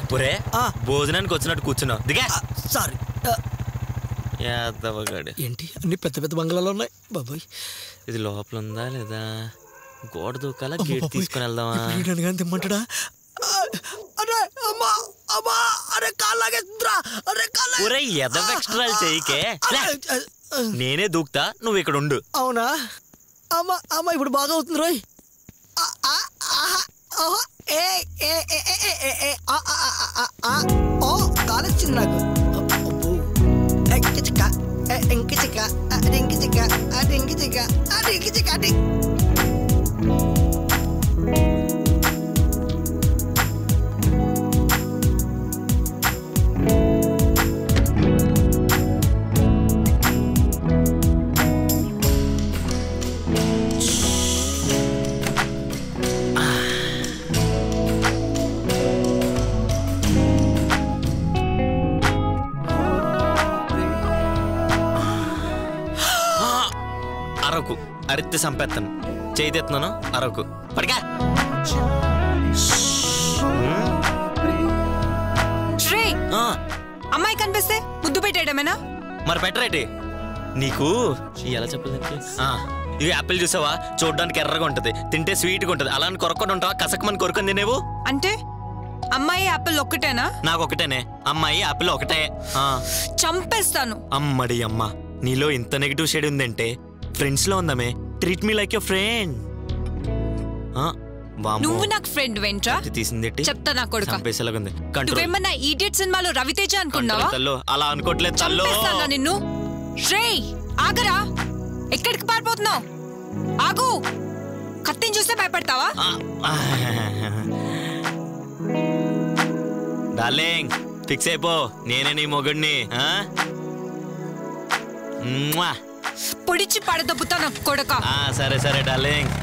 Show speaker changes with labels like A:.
A: ఒరే భోజనానికి వచ్చినట్టు కూర్చున్నావు దిగా.
B: సారీ.
A: యాదవగాడు
B: ఏంటి అన్ని పెద్ద పెద్ద బంగ్లాలు ఉన్నాయి బాబాయ్.
A: ఇది లోపల ఉందా లేదా? గోడ దూకాల గేట్ తీసుకుని వెళ్దామా?
B: తెమ్మంటాడా?
A: ఒరే ఎదవ ఎక్స్ట్రాలు చేయకే, నేనే దూకుతా, నువ్వు ఇక్కడ ఉండు.
B: అవునా? అమ్మా అమ్మా ఇప్పుడు బాగా అవుతుంది రోయ్. కాలొచ్చింది నాకు.
A: అరకు అరిత్తి సంపేత్తను చేయితెత్తున్నాను. అరకు పడిగా.
C: అమ్మాయి కనిపిస్తే ముద్దు పెట్టేయడమేనా?
A: మరి పెట్టరేటి? నీకు ఎలా చెప్పలేదు? ఇది యాపిల్ చూసావా? చూడడానికి ఎర్రగా ఉంటది, తింటే స్వీట్ గా ఉంటది. అలాని కొరకొని ఉంటావా? కసకమని కొరుకొని తినేవు. అంటే
C: అమ్మాయి యాపిల్ ఒక్కటేనా?
A: నాకు ఒకటేనే అమ్మాయి, యాపిల్ ఒకటే.
C: చంపేస్తాను.
A: అమ్మడి అమ్మ, నీలో ఇంత నెగిటివ్ షేడ్ ఉందంటే ఫ్రెండ్స్ లో ఉందమే. Treat me like your friend.
C: నువ్వు నాకు ఫ్రెండ్ వెంట్రా?
A: తీసింది
C: చెప్తా నా కొడుకు.
A: చంపేసేలాగుంది.
C: నువ్వేమన్నా ఈడియట్ సినిమాలో రవితేజ అనుకున్నావా?
A: అలా అనుకోవట్లేదు.
C: చంపేస్తానా నిన్ను? రేయ్ ఆగరా, ఎక్కడికి పారిపోతున్నావు? ఆగు, కత్తిని చూస్తే భయపడతావా?
A: డార్లింగ్ ఫిక్స్ అయిపో, నేనే నీ మొగుడిని.
C: పొడిచి పడదబ్బుతా నా కొడుక.
A: సరే సరే డార్లింగ్.